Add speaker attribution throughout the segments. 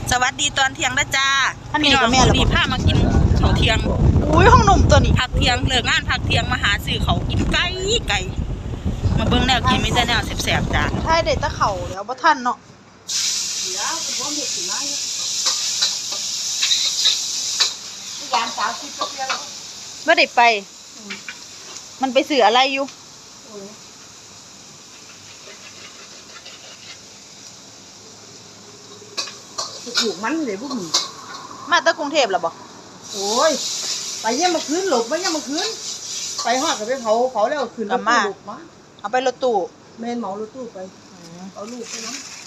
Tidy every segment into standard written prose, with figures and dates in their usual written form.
Speaker 1: สวัสดีตอนเที่ยงนะจ้า
Speaker 2: อันนี้ก็แม่เหรอ
Speaker 1: ดีผ้ามากินข้าวเที่ยง
Speaker 2: อุ้ยห้องหนุ่มตัวนี้
Speaker 1: พักเที่ยงเลิกงานพักเที่ยงมาหาซื้อเขาวกินไก่มาเบิ่งแนวกินไม่ใช่แนวแสบๆจ้า
Speaker 2: ใช่เด็ดตะเข่าแล้วบ่ทันเนาะบ่ได้ไป มันไปซื้ออะไรอยู่
Speaker 3: ถูกมันเลยพวกมึง
Speaker 2: มาจากกรุงเทพแล้วบ่
Speaker 3: โอ้ยไปเยี่ยมมาคืนหลบมาเยี่ยมมาคืนไปหอดกับไปเผาแล้วคืนรถตู้หลบมา
Speaker 2: เอาไปรถตู้
Speaker 3: แม่นเหมารถตู้ไปเอาลูกไปน้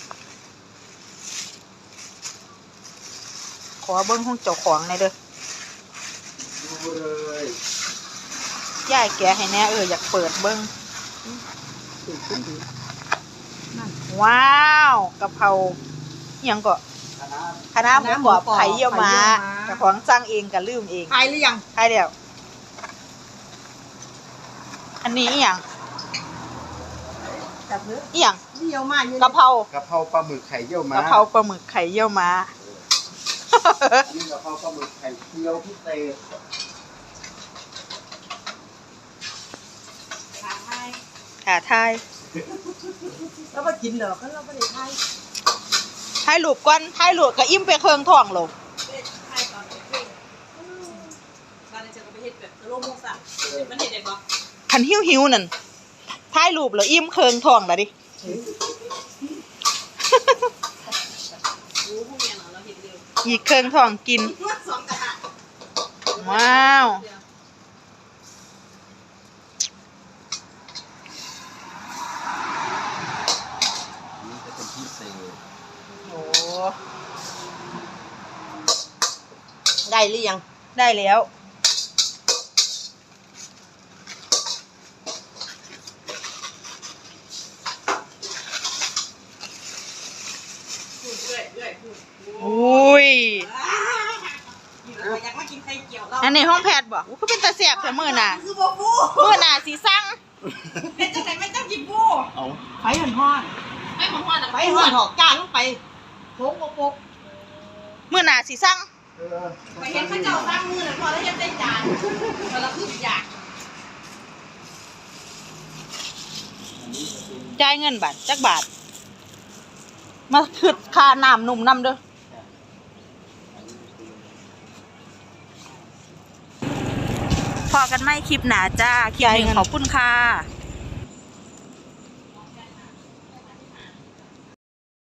Speaker 2: ขอเบิ่งห้องเจ้าของหน่อยเด้อ
Speaker 4: ดูเลย
Speaker 2: ยายแกะให้แน่อยากเปิดเบิ่ง
Speaker 3: ำถูกขึ้นดีนั่น
Speaker 2: ว้าวกะเพราอิหยังก็คณะหมูกรอบไข่เยี่ยวม้าเจ้าของสั่งเองก็ลืมเอง
Speaker 3: ทายหรือยัง
Speaker 2: ใช่เดียวอันนี้อหย่าง
Speaker 3: จับเนื้อ
Speaker 2: อหย่าง
Speaker 3: เดี่ยวมากอยู่
Speaker 2: กะเพราก
Speaker 4: ะเพราปลาหมึกไข่เยี่ยวม้าก
Speaker 2: ะเพราปลาหมึกไข่เยี่ยวม้า
Speaker 4: อันนี้กะเพราปลาหมึกไข่เจียวพิเศษ
Speaker 2: ค่ะทาย
Speaker 3: แล้วมากินเหรอก็เราไม่ได้ทาย
Speaker 2: ทายหลูบก่อนทายหลูบก็อิ่มไปเครื่องท้องโล
Speaker 3: ทายตอนเด็กบ้านนี้จะไปเฮ็ดแบบโลโมสั่งมันเห็นเด็กปะ
Speaker 2: คันหิวนั่นทายหลูบแล้วอิ่มเครื่องท้องแล้วดิ
Speaker 3: รู้พวกเนี้ยเราเห็นเร็ว
Speaker 2: อีกเครื่องท้องกิน
Speaker 3: สองกระทะ
Speaker 2: ว้าว
Speaker 4: อันนี้จะเป็นพิเศษ
Speaker 2: โอ้
Speaker 3: ได้หรือยัง
Speaker 2: ได้แล้ว อุ้ย
Speaker 3: อยากมากินไข่เจียวเรา
Speaker 2: อันนี้ห้องแพทย์บ่อู้ก็เป็นตาเสียบแต่มื้อน่ะ
Speaker 3: คือบ่ฟู
Speaker 2: มื้อน่ะสิสั่ง
Speaker 3: เป็นจังไหนไม่ต้องกินฟู
Speaker 4: เอา
Speaker 3: ไปหันห้อนไปหันห้อนไปหันหอกจ้างลงไปโค้งโป๊ก
Speaker 2: มื้อน่ะสิสั่ง
Speaker 3: ไปเห็นข้าเจ้าสร้างมือน่ะพอแล้วยังได้จานพอแล้วคืออยาก
Speaker 2: จ่ายเงินบาทจักบาท มาคิดค่าน้ำนุ่มน้ำเด้อ
Speaker 1: พอกันไหมคลิปหนาจ้าคลิปหนึ่งขอบคุณค่ะ